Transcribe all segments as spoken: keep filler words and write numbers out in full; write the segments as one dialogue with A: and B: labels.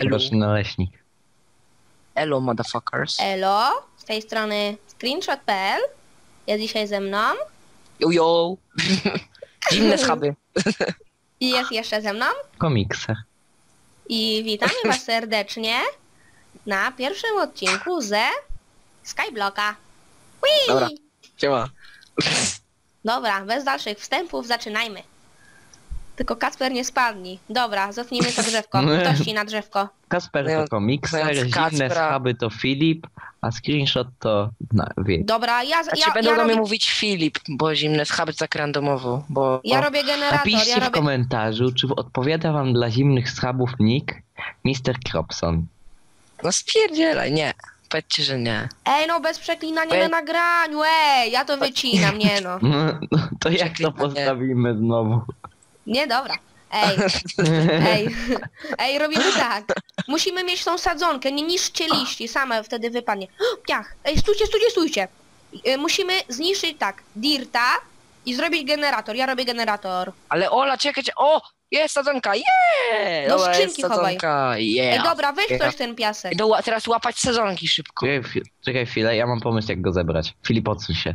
A: Elo.
B: Roczny naleśnik.
A: Elo, motherfuckers.
C: Elo, z tej strony screenshot kropka p l. Jest dzisiaj ze mną.
A: Yo, yo. Zimne schaby.
C: I jest jeszcze ze mną.
B: Komikser.
C: I witamy was serdecznie na pierwszym odcinku ze Skyblocka. Whee!
A: Dobra. Siema.
C: Dobra, bez dalszych wstępów zaczynajmy. Tylko Kacper nie spadnij. Dobra, zetnijmy to drzewko. Ktoś ci na drzewko.
B: Kasper
A: No,
B: to komikser,
A: no,
B: zimne
A: Kacpra.
B: schaby to Filip, a screenshot to... No, wie.
C: Dobra, ja,
A: Znaczy
C: ja,
A: będą
C: ja,
A: do mnie
C: robię,
A: mówić Filip, bo zimne schaby to tak randomowo, bo...
C: ja
A: o,
C: robię generator.
B: Napiszcie
C: Ja
B: w
C: robię...
B: komentarzu, czy odpowiada wam dla zimnych schabów nick mister Kropson.
A: No spierdzielaj, nie. Powiedzcie, że nie.
C: Ej, no bez przeklinania
A: Be-
C: na nagraniu, ej, ja to wycinam, nie no.
B: No, no to jak to
A: Przeklinanie.
B: postawimy znowu?
C: Nie, dobra. Ej, ej, ej, robimy tak. Musimy mieć tą sadzonkę, nie niszczcie liści, same wtedy wypadnie. Piach, ej, stójcie, stójcie, stójcie. Y, Musimy zniszczyć tak, dirta i zrobić generator. Ja robię generator.
A: Ale Ola, czekajcie, o! Jest sadzonka, yeah!
C: Do
A: Dobra,
C: skrzynki
A: jest
C: chowaj.
A: sadzonka, yeah.
C: Ej, dobra, weź
A: Yeah.
C: ktoś ten piasek.
A: Idę ła- teraz łapać sadzonki szybko.
B: Czekaj, chwi- czekaj chwilę, ja mam pomysł jak go zebrać. Filip, odsuń się.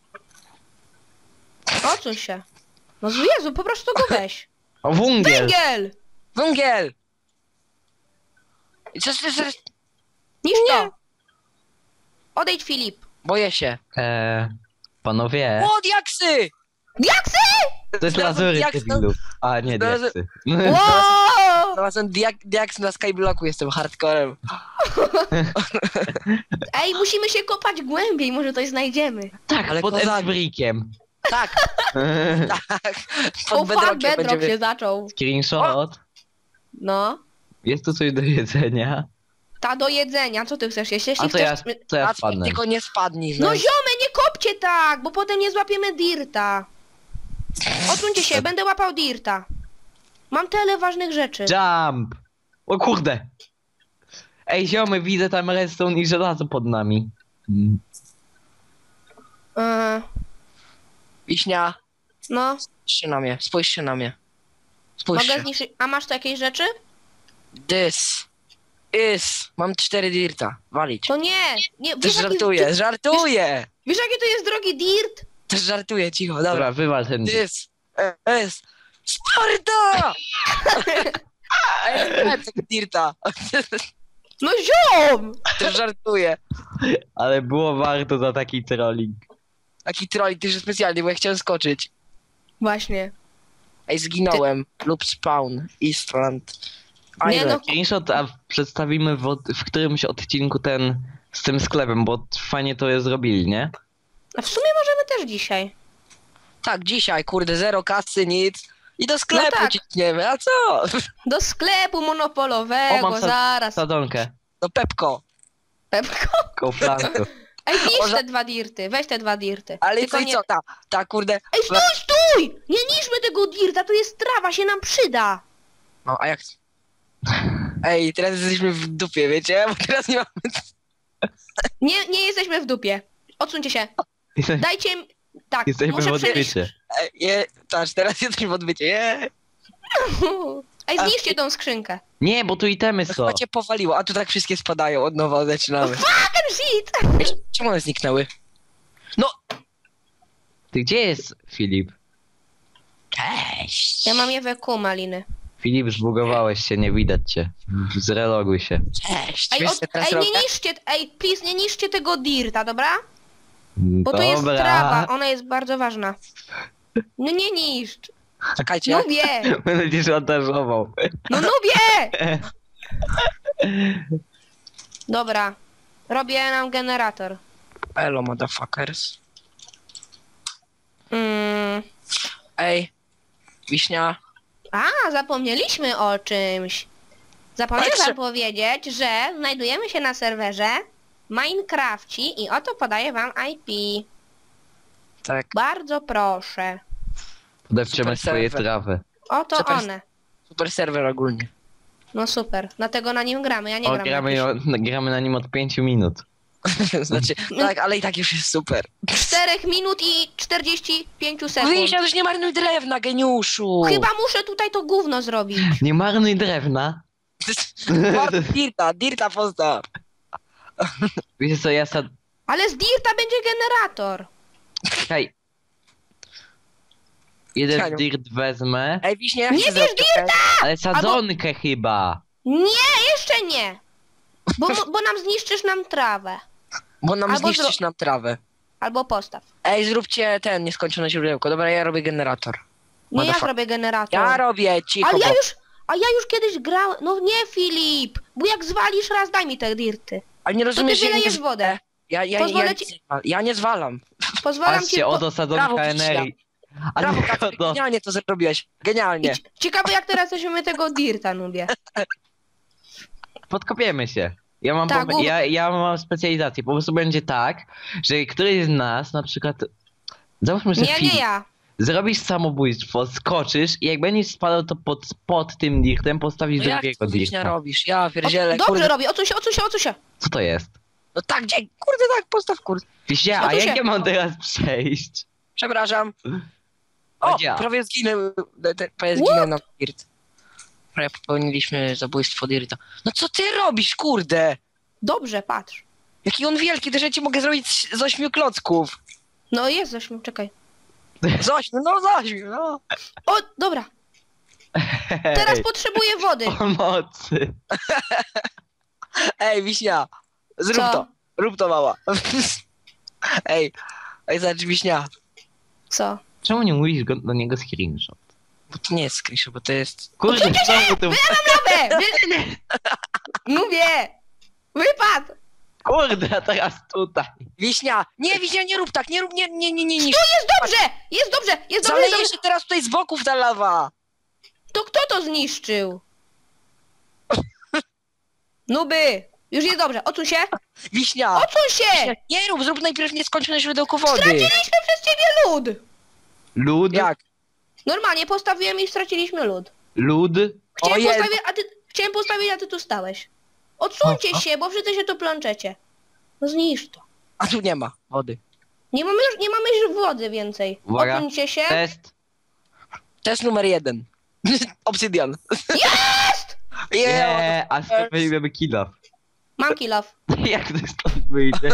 C: Odsuń się. No Jezu, po prostu go weź.
B: O, wungiel!
C: Węgiel!
A: Węgiel! I co, co, co,
C: Niż to. Odejdź, Filip.
A: boję się.
B: Eee, panowie,
A: O, diaksy!
C: Diaksy!
B: to jest
A: znalazłem
B: lazury,
A: diaksy.
B: debilu. A, nie,
A: Znalazłem-
B: diaksy.
C: Wow!
A: Znalazłem diak diaks na Skyblocku, jestem hardcorem.
C: Ej, musimy się kopać głębiej, może coś znajdziemy.
B: Tak,
A: Ale
B: pod
A: kozak.
B: Emsbrickiem.
A: Tak, tak.
C: O
A: Pod
C: fuck,
A: bedrockiem
C: bedrock
A: będziemy...
C: się zaczął.
B: Screenshot.
C: No.
B: Jest tu coś do jedzenia.
C: Ta do jedzenia, co ty chcesz jeść? Jeśli
B: A to ja,
C: chcesz...
B: to ja
A: Kacper,
B: spadnę.
A: tylko nie spadnij.
C: No ziomy, nie kopcie tak, bo potem nie złapiemy dirta. Odsuńcie się, będę łapał dirta. Mam tyle ważnych rzeczy.
B: Jump! O kurde! Ej, ziomy, widzę tam redstone i żelazo pod nami. Mm.
C: Eee,
A: Wiśnia,
C: no,
A: spójrzcie na mnie, spójrzcie na mnie. Spójrzcie.
C: mogę zniszczyć... A masz tu jakieś rzeczy?
A: This is... Mam cztery dirta, walić.
C: To nie, nie,
A: Też
C: wiesz jaki,
A: żartuję,
C: ty,
A: żartuję!
C: wiesz jaki to jest drogi dirt?
A: Też żartuję, cicho, dobra.
B: Dobra, wywal ten...
A: This is... Sparta! Ej, nie, tego dirta.
C: No ziom!
A: Też żartuję.
B: Ale było warto za taki trolling.
A: Taki troll, ty że specjalnie, bo ja chciałem skoczyć.
C: Właśnie.
A: Ej, zginąłem. Lub spawn. Eastland.
C: Nie
A: Island.
C: no,
B: Screenshot, a przedstawimy w, od- w którymś odcinku ten z tym sklepem, bo fajnie to je zrobili, nie?
C: a w sumie możemy też dzisiaj.
A: Tak, dzisiaj, kurde, zero kasy, nic. I do sklepu
C: tak.
A: ciśniemy, a co?
C: Do sklepu
B: O,
C: monopolowego,
B: mam sa-
C: zaraz.
B: Sadzonkę.
A: Do Pepko.
C: Pepko.
B: Kołflanko.
C: Ej, niszcz
A: Może-
C: te dwa dirty, weź te dwa dirty.
A: Ale
C: Tylko
A: co i
C: nie...
A: co, ta, ta kurde...
C: Ej, stój, stój! Nie niszczmy tego dirta, to jest trawa, się nam przyda.
A: No, a jak... Ej, teraz jesteśmy w dupie, wiecie? Bo teraz nie mamy...
C: Nie, nie jesteśmy w dupie. Odsuńcie się. Dajcie mi... Tak,
B: Jesteśmy w
C: muszę przemyśleć.
B: odbycie.
A: Ej, je, taż, teraz jesteśmy w odbycie, je.
C: Ej, zniszczcie tą skrzynkę.
B: Nie, bo tu itemy są.
A: Chyba cię powaliło, a tu tak wszystkie spadają, od nowa zaczynamy.
C: Fucking shit!
A: Ej, czemu one zniknęły? No!
B: Ty gdzie jest Filip?
A: Cześć!
C: Ja mam je we kół, maliny.
B: Filip, zbugowałeś się, nie widać cię. Zreloguj się.
A: Cześć!
C: Ej,
A: Wiesz,
C: od...
A: co teraz
C: Ej,
A: robię?
C: nie niszczcie, ej, please, nie niszczcie tego dirta, dobra? Bo to jest
B: Dobra.
C: trawa, ona jest bardzo ważna. No nie niszcz.
A: Czekajcie,
C: Nubie!
B: Będę cię szantażował.
C: No nubie! Dobra. Robię nam generator.
A: Elo, motherfuckers.
C: Mm.
A: Ej, Wiśnia.
C: A, zapomnieliśmy o czymś. Zapomniałem
A: Tak,
C: wam
A: że-
C: powiedzieć, że znajdujemy się na serwerze Minecrafci i oto podaję wam I P.
A: Tak,
C: Bardzo proszę.
B: Podepczemy
A: Super
B: swoje
A: serwer.
B: trawy.
C: Oto
A: Super.
C: one.
A: super serwer ogólnie.
C: No super, dlatego na nim gramy, ja nie
B: O,
C: gram na
B: gramy,
C: jakiś-
B: o- gramy na nim od pięciu minut.
A: Znaczy, tak, ale i tak już jest super.
C: czterech minut i czterdzieści pięć sekund.
A: Wiśnia, też nie marnuj drewna, geniuszu!
C: Chyba muszę tutaj to gówno zrobić.
B: Nie marnuj drewna.
A: Dirta, Dirta postaw.
B: Wiecie co, ja sad...
C: Ale z Dirta będzie generator.
B: Czekaj. Jeden
A: Czekaj.
B: dirt wezmę,
A: Ej, Wiśnie, jak
C: Nie
A: się
C: bierz
A: zrobi?
B: ale sadzonkę chyba.
C: Nie, jeszcze nie. Bo, mo- bo nam zniszczysz nam trawę.
A: Bo nam
C: Albo
A: zniszczysz
C: zro-
A: nam trawę.
C: Albo postaw.
A: Ej, zróbcie ten nieskończone źródełko. Dobra, ja robię generator.
C: Nie, ja
A: Motherfuck-
C: zrobię generator.
A: Ja robię, cicho,
C: Ale ja
A: bo...
C: już, a ja już kiedyś grałem. No nie, Filip. Bo jak zwalisz raz, daj mi te dirty.
A: Ale nie rozumiesz, że ja nie
C: wylejesz
A: z-
C: wodę.
A: Ja, ja,
C: Pozwolę
A: ja,
C: ci-
A: ja, ja nie zwalam.
C: Pozwalam ci...
B: Patrzcie, oto sadzonka
A: Brawo,
B: energii. A
A: Brawo,
B: ty
A: Kacper,
B: oto...
A: genialnie to zrobiłeś. Genialnie.
C: Idź. Ciekawe jak teraz weźmiemy tego dirta, nubie.
B: Podkopiemy się. Ja mam,
C: Tak,
B: pom-
C: bo-
B: ja, ja mam specjalizację. Po prostu będzie tak, że któryś z nas na przykład... Załóżmy, że
C: Nie,
B: Filip,
C: nie ja.
B: zrobisz samobójstwo, skoczysz i jak będziesz spadał, to pod, pod tym dirtem postawisz
A: No jak
B: drugiego
A: to Wiśnia
B: dirta.
A: robisz? Ja
C: O,
A: pierdzielę,
C: dobrze
A: kurde.
C: robi, odsuń się, odsuń się, odsuń się.
B: Co to jest?
A: No tak, gdzie? Kurde, tak, postaw, kurde.
B: Wiśnia,
C: No
B: a
C: tu
B: jak
C: się-
B: ja mam teraz przejść?
A: Przepraszam. O,
B: Chodź.
A: prawie zginę, te- prawie
C: What?
A: zginę na dirt. Prawie popełniliśmy zabójstwo dirta. No co ty robisz, kurde?
C: Dobrze, patrz.
A: Jaki on wielki, też ja ci mogę zrobić z z ośmiu klocków.
C: No jest zaśmiał, czekaj.
A: Z ośmiu, no z ośmiu, no.
C: O, dobra. Teraz
B: Hej,
C: potrzebuję wody.
B: pomocy.
A: Ej, Wiśnia, zrób
C: Co?
A: to. Rób to, mała. Ej, ej, zobacz, Wiśnia.
C: Co?
B: Czemu nie mówisz go, do niego screenshot?
A: Bo to nie jest screenshot, bo to jest...
B: Kurde, znowu to...
C: Nowe! Wy... Mówię! Wypad!
B: Kurde, a teraz tutaj.
A: Wiśnia! Nie, Wiśnia, nie rób tak, nie rób, nie, nie, nie, nie, nie.
C: Jest dobrze! Jest dobrze! Jest dobrze! Jest
A: Zaleje
C: dobrze.
A: się teraz tutaj z boków ta lawa.
C: To kto to zniszczył? Nuby! Już jest dobrze, odsuń się!
A: Wiśnia!
C: Odsuń się!
A: Wiśnia, nie rób, zrób najpierw nieskończone źródełko wody.
C: Straciliśmy przez ciebie lód!
B: Lud?
A: Jak?
C: Normalnie postawiłem i straciliśmy lód.
B: Lud?
C: Chciałem
A: Ojej.
C: postawić, a ty... Chciałem postawić, a ty tu stałeś. Odsuńcie
B: O, o.
C: się, bo wszyscy się tu plączecie. No zniszcz to.
A: A tu nie ma wody.
C: Nie mamy już, nie mamy już wody więcej.
B: Uwaga.
C: Odsuńcie się.
B: Test.
A: Test numer jeden. Obsydian.
C: Jest!
A: Yeah.
B: Nie, a skąd weźmiemy kill.
C: Mam kill off.
B: Jak to stąd wyjdzie?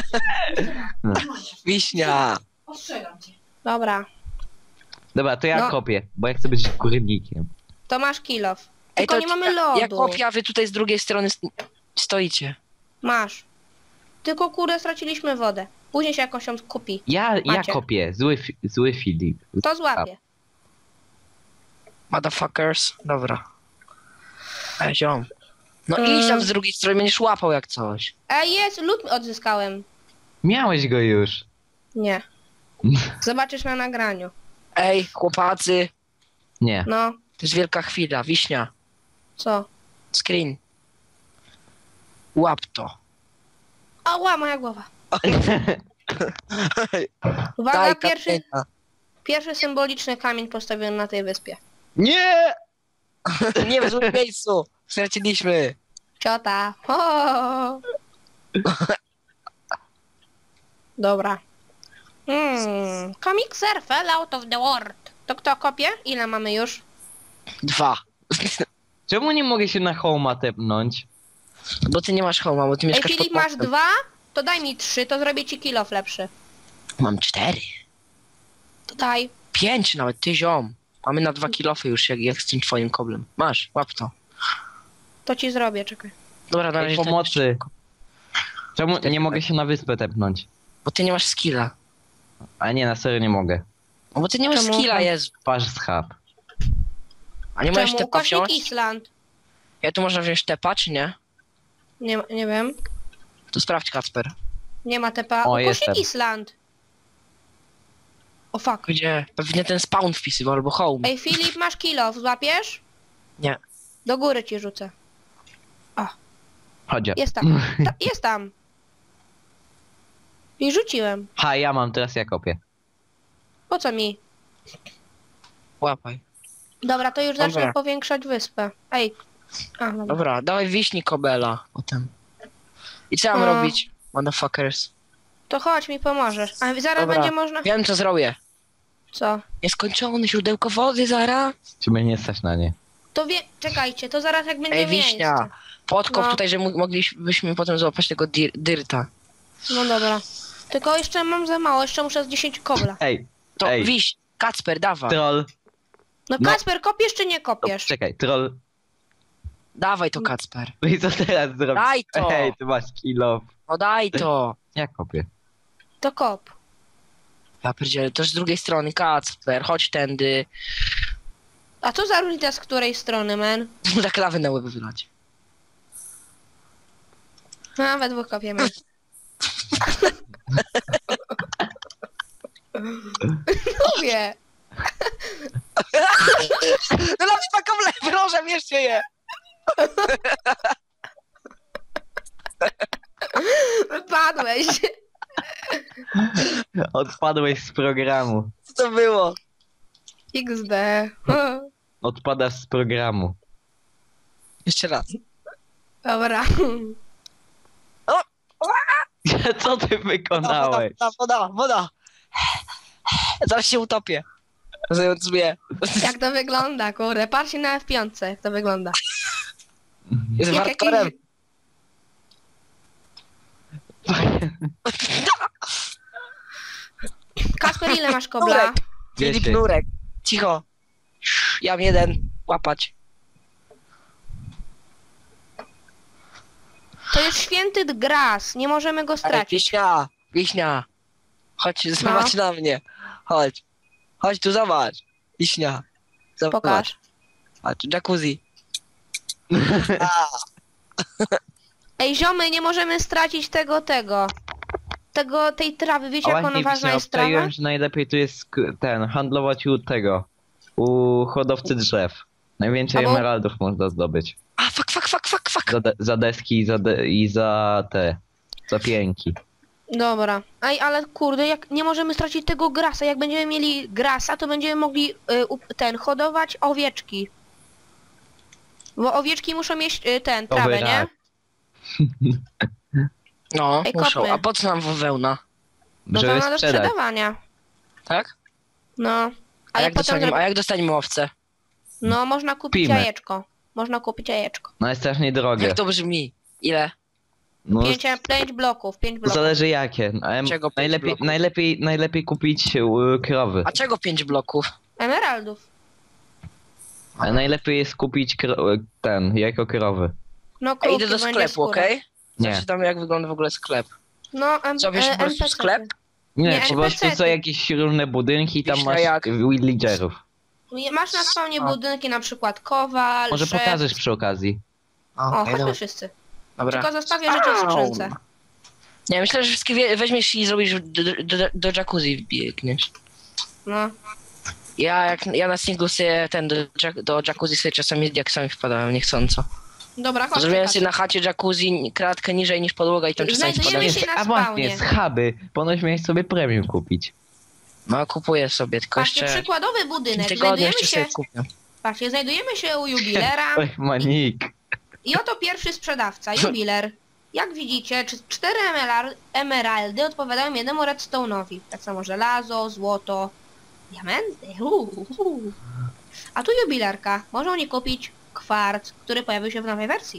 A: Wiśnia.
C: Ostrzegam cię. Dobra,
B: Dobra, to ja
C: No.
B: kopię, bo ja chcę być górnikiem.
C: to masz kill off.
A: Ej,
C: Tylko
A: to
C: nie mamy
A: ja-
C: lodu.
A: Ja kopię, a wy tutaj z drugiej strony st- stoicie.
C: Masz. Tylko kurde straciliśmy wodę. Później się jakoś ją kupi.
B: Ja, ja
C: Macie.
B: kopię, zły, fi- zły Filip.
C: To złapie.
A: Motherfuckers. Dobra. Ej, ziom. No
C: Mm.
A: idź tam z drugiej strony, będziesz łapał jak coś.
C: Ej, jest, lód odzyskałem.
B: Miałeś go już.
C: Nie. Zobaczysz na nagraniu.
A: Ej, chłopacy.
B: Nie.
C: No,
A: To jest wielka chwila. Wiśnia.
C: co?
A: Screen. Łap to.
C: Ała, moja głowa. Uwaga,
A: Daj
C: pierwszy,
A: kamienia.
C: pierwszy symboliczny kamień postawiony na tej wyspie.
B: Nie!
A: Nie w złym miejscu. Straciliśmy.
C: Ciota. Ho! Dobra. Hmm. Komikser fell out of the world. To kto kopie? Ile mamy już?
A: Dwa.
B: Czemu nie mogę się na homa tepnąć?
A: Bo ty nie masz homa, bo ty
C: Ej,
A: mieszkasz
C: Filip,
A: pod
C: masz
A: mostem.
C: dwa? To daj mi trzy, to zrobię ci kill off lepszy.
A: Mam cztery.
C: To daj.
A: Pięć nawet, ty ziom. Mamy na dwa kilofy już, jak, jak z tym twoim koblem. Masz, łap to.
C: To ci zrobię, czekaj.
A: Dobra, na
B: Ej,
A: razie to
B: pomocy.
A: jeszcze-
B: Czemu nie mogę się na wyspę tepnąć?
A: Bo ty nie masz skilla.
B: A nie, na serio nie mogę.
A: No bo ty nie masz
C: Czemu?
A: skilla, Jezu.
B: Patrz schab.
A: A nie możesz
C: Czemu?
A: tepa
C: Ukośnik
A: wziąć?
C: Island.
A: Ja tu można wziąć tepa, czy nie?
C: Nie, nie wiem.
A: To sprawdź, Kacper.
C: Nie ma tepa.
B: O,
C: Ukośnik
B: jestem.
C: Island. O fuck.
A: Gdzie? Pewnie ten spawn wpisywał, albo home.
C: Ej, Filip, masz kill off, złapiesz?
A: Nie.
C: Do góry ci rzucę.
B: Chodź.
C: Jest tam. Ta, jest tam. I rzuciłem.
B: Ha, ja mam, teraz ja kopię.
C: Po co mi?
A: Łapaj.
C: Dobra, to już
A: Dobra.
C: zacznę powiększać wyspę. Ej. A, dobra.
A: Dobra, dawaj wiśni kobela potem. I co mam
C: No.
A: robić? Motherfuckers.
C: To chodź, mi pomożesz. A zaraz
A: Dobra.
C: będzie można...
A: Wiem, co zrobię.
C: Co?
A: Nieskończone źródełko wody, zara.
B: Czy mnie nie stać na nie?
C: To wie... Czekajcie, to zaraz jak będzie
A: Ej, wiśnia.
C: miejsce.
A: Podkop
C: No.
A: tutaj, że mo- moglibyśmy potem złapać tego dir dyrta.
C: No dobra. Tylko jeszcze mam za mało, jeszcze muszę z dziesięć kobla.
B: Ej,
A: To
B: Ej.
A: wiś, Kacper, dawaj.
B: troll.
C: No
B: No.
C: Kacper, kopiesz czy nie
B: O,
C: kopiesz?
B: czekaj, troll.
A: Dawaj to, Kacper.
B: No i co teraz zrobić?
A: Daj to.
B: Ej, ty masz kilo.
A: No daj to.
B: Jak kopię?
C: To kop.
A: Ja pierdzielę, to z drugiej strony, Kacper, chodź tędy.
C: A co za różnica z której strony, men?
A: Tak lawę na łeb wylać.
C: A, we dwóch kopiemy. Lubię.
A: No lawy taką lew, proszę, bierzcie je.
C: Wypadłeś.
B: Odpadłeś z programu.
A: Co to było?
C: iks de.
B: Odpadasz z programu.
A: Jeszcze raz.
C: Dobra.
B: Co ty wykonałeś?
A: Woda, woda, woda. Zaraz się utopię. Zając sobie.
C: Jak to wygląda, kurde. Patrzcie na F pięć, jak to wygląda.
A: Jest
C: Jak
A: hardcorem.
C: jakiś... Kasper, ile masz kobla?
A: Nurek. Filip
B: Dziesięć.
A: Nurek. Cicho. Ja mam jeden. Łapać.
C: To jest święty gras, nie możemy go
A: Ej,
C: stracić.
A: Wiśnia. Wiśnia. Chodź, zobacz na mnie. Chodź. Chodź tu, zobacz. Wiśnia. Zobacz.
C: Pokaż.
A: Patrz, jacuzzi. A,
C: Ej, ziomy, nie możemy stracić tego, tego. Tego, tej trawy. Wiecie, jak ona ważna jest trawa?
B: obczaiłem, że najlepiej tu jest sk- ten, handlować u tego, u hodowcy drzew. Najwięcej
C: Albo-
B: emeraldów można zdobyć.
A: a fuck, fuck, fuck, fuck, fuck.
B: Za, de- za deski i za, de- i za te, za pięki.
C: Dobra. Ej, ale kurde, jak nie możemy stracić tego grasa. Jak będziemy mieli grasa, to będziemy mogli y, u- ten, hodować owieczki. Bo owieczki muszą mieć y, ten,
B: Owy
C: trawę, nie?
B: rak.
A: No,
C: Ej,
A: muszą.
C: kopmy.
A: A po co nam wełna?
C: No to
B: Żeby
C: ma do
B: sprzedać.
C: sprzedawania.
A: Tak?
C: No.
A: A,
C: A
A: jak,
C: jak potem
A: dostaniemy,
C: zrobi...
A: a jak dostaniemy owce?
C: No, można kupić
B: Kupimy.
C: jajeczko. Można kupić jajeczko.
B: No jest strasznie drogie.
A: Jak to brzmi? Ile?
B: No,
C: Pięć, pięć bloków, pięć bloków.
B: zależy jakie. No, em,
A: Czego pięć
B: najlepiej,
A: bloków?
B: najlepiej, najlepiej kupić y, krowy.
A: A czego pięć bloków?
C: Emeraldów.
B: A najlepiej jest kupić kro- y, ten, jako krowy.
C: No,
A: Ja
C: krówki,
A: idę do
C: będzie
A: sklepu,
C: skóra.
A: okej?
B: Nie.
A: Zobaczytam jak wygląda w ogóle sklep.
C: No, em,
A: Co, wiesz,
C: e,
A: po prostu
C: N P C-ty.
A: sklep?
B: Nie,
C: Nie,
B: po prostu
C: N P C-ty.
B: są jakieś różne budynki i tam
A: Wiesz, no
B: masz
A: jak?
B: villagerów.
C: Masz na spawnie
A: A.
C: budynki, na przykład kowal,
B: Może
C: szef.
B: pokażesz przy okazji.
C: O,
A: okej,
C: chodźmy
A: dobra.
C: wszyscy.
A: Dobra.
C: Tylko zostawię rzeczy w skrzynce.
A: Nie, myślę, że wszystkie wie- weźmiesz i zrobisz do, do, do, do jacuzzi wbiegniesz.
C: No.
A: Ja jak ja na singlu sobie ten do, jac- do jacuzzi sobie czasami jak sami wpadałem niechcąco.
C: Dobra, chodź.
A: Zrobiłem sobie na chacie jacuzzi kratkę niżej niż podłoga i tam czasami
C: Znajdujemy
A: wpadałem.
C: się na
B: A właśnie,
C: spawnie.
B: schaby. Ponoć miałeś sobie premium kupić.
A: No kupuję sobie, tylko
C: Patrzcie,
A: jeszcze
C: przykładowy budynek.
A: tygodnie
C: Znajdujemy
A: jeszcze
C: się,
A: sobie kupię.
C: patrzcie, znajdujemy się u jubilera
B: Oj, manik.
C: i oto pierwszy sprzedawca, jubiler. Jak widzicie, czy- cztery emeral- emeraldy odpowiadają jednemu redstone'owi. Tak samo żelazo, złoto, diamenty. Uu, uu. A tu jubilerka. Może oni kupić kwarc, który pojawił się w nowej wersji.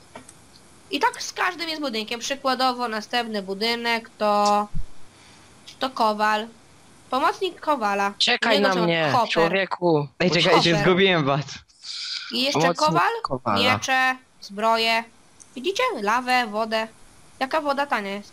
C: I tak z każdym jest budynkiem. Przykładowo następny budynek to... to kowal. Pomocnik kowala.
A: Czekaj
C: U niego
A: na
C: są
A: mnie,
C: hopper.
A: człowieku.
B: Ej,
A: Bo-
B: czekajcie,
C: Hopper.
B: zgubiłem was.
C: I jeszcze
A: Pomocnik
C: kowal,
A: kowala.
C: miecze, zbroje. Widzicie? Lawę, wodę. Jaka woda tania jest.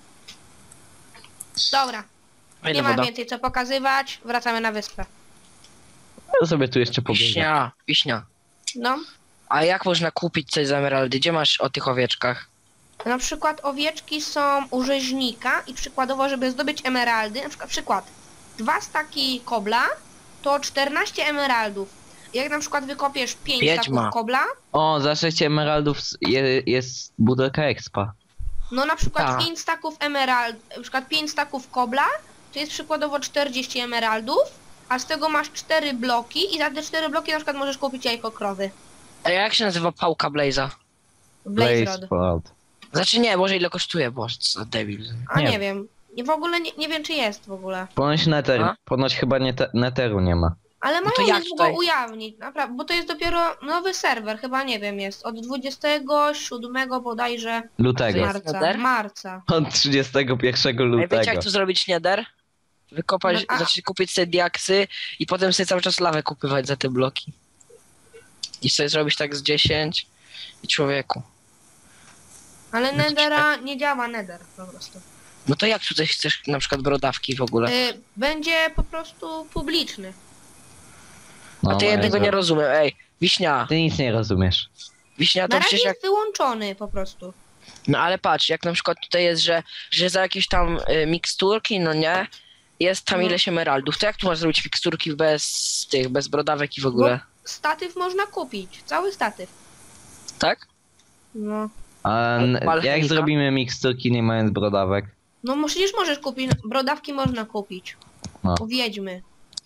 C: Dobra,
A: Ile
C: nie ma
A: woda?
C: więcej co pokazywać. Wracamy na wyspę.
B: Ja sobie tu jeszcze pobiegam.
A: Wiśnia, wiśnia.
C: No,
A: A jak można kupić coś za emeraldy? Gdzie masz o tych owieczkach?
C: na przykład owieczki są u rzeźnika i przykładowo, żeby zdobyć emeraldy, na przykład, przykład dwa staki kobla to czternaście emeraldów. Jak na przykład wykopiesz pięć
A: Wiedźma.
C: staków kobla,
B: O, za sześć emeraldów s- je, jest budelka expa.
C: no na przykład
A: Tak.
C: pięć staków emerald, na przykład pięć staków kobla, to jest przykładowo czterdzieści emeraldów, a z tego masz cztery bloki i za te cztery bloki na przykład możesz kupić jajko krowy.
A: A jak się nazywa pałka Blaze'a?
C: Blaze Rod.
B: Rod.
A: Znaczy nie, Boże ile kosztuje, Boże, co za debil.
C: A
B: Nie
C: nie, wiem. Nie, w ogóle nie, nie wiem czy jest w ogóle.
B: Ponoć nether,
A: A?
B: ponoć chyba nie te, netheru nie ma.
C: Ale
A: No to
C: mają
A: jak
C: niedługo
A: tutaj?
C: ujawnić, naprawdę, bo to jest dopiero nowy serwer, chyba nie wiem, jest od dwudziestego siódmego bodajże
B: Lutego.
A: jest
C: marca.
A: nether?
C: Marca.
B: Od trzydziestego pierwszego
A: Ej, wiecie
B: lutego.
A: jak tu zrobić nether? Wykopać,
C: No, a-
A: znaczy kupić sobie diaksy i potem sobie cały czas lawę kupywać za te bloki. I sobie zrobić tak z dziesięć i człowieku.
C: Ale
A: No to
C: Nethera nie działa Nether po prostu.
A: No to jak tutaj chcesz na przykład brodawki w ogóle?
C: Y, będzie po prostu publiczny.
B: No,
A: A ty jednego
B: Jezu.
A: nie rozumiem, ej, Wiśnia,
B: Ty nic nie rozumiesz.
A: Wiśnia
C: Na
A: to
C: razie
A: przecież jak...
C: jest wyłączony po prostu.
A: No ale patrz, jak na przykład tutaj jest, że, że za jakieś tam y, miksturki, no nie, jest tam
C: No.
A: ileś emeraldów, to jak tu masz zrobić miksturki bez tych, bez brodawek i w ogóle?
C: Statyw można kupić, cały statyw.
A: Tak?
C: No.
B: A n- jak
A: Alchemika.
B: zrobimy miksturki nie mając brodawek?
C: No przecież możesz kupić, brodawki można kupić.
B: No.
C: U wiedźmy.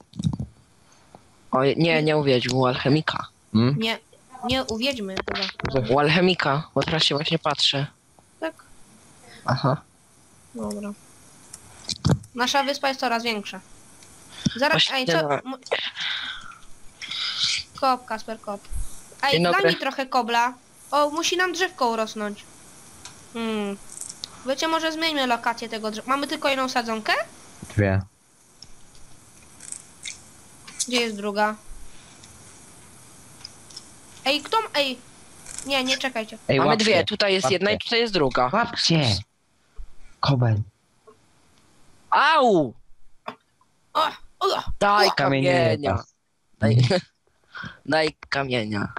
A: O, nie, nie uwiedź, u alchemika.
B: Hmm?
C: Nie, nie u wiedźmy chyba.
A: U alchemika, bo teraz się właśnie patrzę.
C: Tak?
A: Aha.
C: Dobra. Nasza wyspa jest coraz większa. Zaraz,
A: Właśnie
C: ej, co?
A: no.
C: mu- Kop, Kasper, kop. Ej,
A: Dzień
C: daj
A: dobry.
C: mi trochę kobla. O, musi nam drzewko urosnąć. Hmm. Wiecie, może zmieńmy lokację tego drzewa. Mamy tylko jedną sadzonkę?
B: Dwie.
C: Gdzie jest druga? Ej, kto... m- Ej. Nie, nie, czekajcie.
B: Ej,
A: Mamy
B: łapcie.
A: dwie, tutaj jest jedna i
B: Łapcie.
A: tutaj jest druga.
B: Łapcie! Kobel.
A: Au!
C: O, o,
A: Daj
C: O,
B: kamienie nie
A: kamienia.
B: pas.
A: Daj, daj kamienia.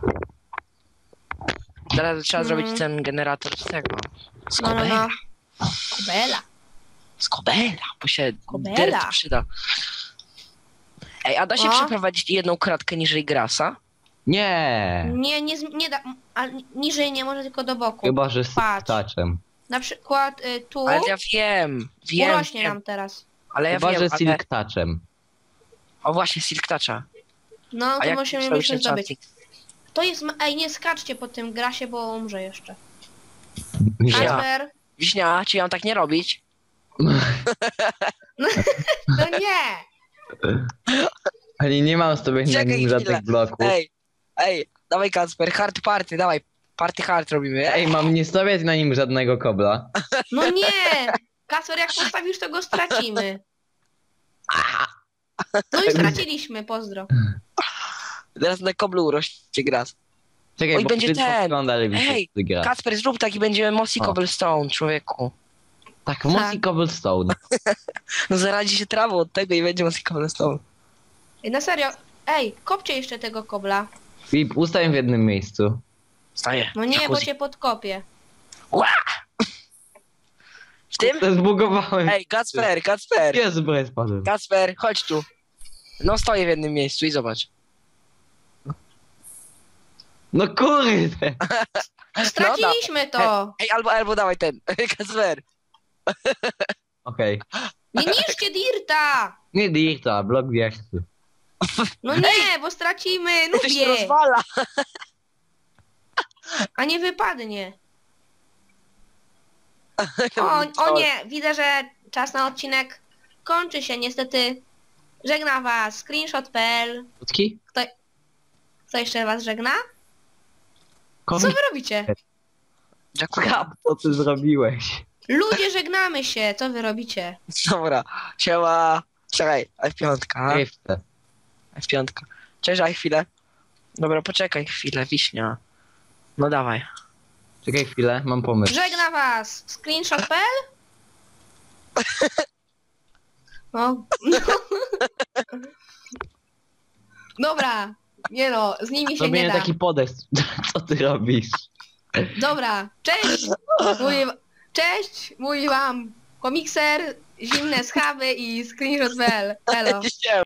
A: Teraz trzeba
C: Mhm.
A: zrobić ten generator z tego. Z
C: no, no,
A: kobela.
C: no. Kobela.
A: Z kobela, bo się
C: Kobela.
A: dirt przyda. Ej, a da się
C: O.
A: przeprowadzić jedną kratkę niżej grasa?
B: Nie!
C: Nie, nie, z- nie da... A niżej nie może, tylko do boku.
B: Chyba, że z
C: Patrz.
B: taczem.
C: Na przykład y, tu
A: Ale ja wiem, wiem,
C: urośnie
A: wiem.
C: nam teraz.
A: Ale ja
B: Chyba,
A: wiem,
B: że
A: ale...
B: silk touchem.
A: O właśnie, Silk Toucha.
C: No,
A: A
C: to
A: jak
C: musimy
A: zrobić
C: jeszcze zdobyć.
A: enchanting?
C: To jest... ma- Ej, nie skaczcie po tym grasie, bo umrze jeszcze.
A: Ja.
C: Kasper?
A: Wiśnia, czy ja mam tak nie robić?
C: No nie!
B: Ani nie mam z tobie na
A: Czekaj
B: nim
A: chwilę.
B: żadnych bloków.
A: Ej, ej, dawaj Kacper, hard party, dawaj. Party hard robimy.
B: Ej, mam nie stawiać na nim żadnego kobla.
C: No nie! Kasper, jak postawisz, to go stracimy. No i straciliśmy, pozdro.
A: Teraz na koblu urośnie gras.
B: Czekaj,
A: Oj,
B: bo
A: będzie
B: będzie
A: ten.
B: wygląda lepiej
A: Ej,
B: gra.
A: Kacper, zrób tak i będziemy Mossy
B: O.
A: Cobblestone, człowieku.
B: Tak, Mossy Cobblestone.
A: No zaradzi się trawą od tego i będzie Mossy Cobblestone.
C: Ej, na serio. Ej, kopcie jeszcze tego kobla.
B: Filip, ustań w jednym miejscu.
A: Staję.
C: No nie, bo
A: Jacuzzi.
C: cię podkopię.
A: Ła! W tym?
B: To zbugowałem.
A: Ej, Kacper, Kacper,
B: Jezu, bo ja spadłem.
A: Kacper, chodź tu. No stoję w jednym miejscu i zobacz.
B: No kurde!
C: Straciliśmy to!
A: Ej, albo, albo dawaj ten. Kacper.
B: Okej.
C: Nie niszcie Dirta!
B: Nie dirta, blok wierzchu.
C: No nie, bo stracimy,
A: To się
C: nubię!
A: rozwala.
C: A nie wypadnie. O, o nie, widzę, że czas na odcinek kończy się niestety. Żegna was screenshot kropka p l.
B: Krótki?
C: Kto jeszcze was żegna? Co
B: Komik.
C: wy robicie?
A: Jacuzzi.
B: Kap, co ty zrobiłeś?
C: Ludzie, żegnamy się, co wy robicie?
A: Dobra, siema. Czekaj, F pięć.
B: Jeszcze.
A: F pięć. Cześć, daj chwilę. Dobra, poczekaj chwilę, Wiśnia. No dawaj.
B: Czekaj chwilę, mam pomysł.
C: Żegna was screenshot kropka p l. No, no. Dobra, nie no, z nimi się nie
B: Robię
C: da.
B: taki podest. Co ty robisz?
C: Dobra, cześć! Mówi, cześć, mówi wam komikser, zimne schawy i screenshot kropka p l. Elo.
A: Siema.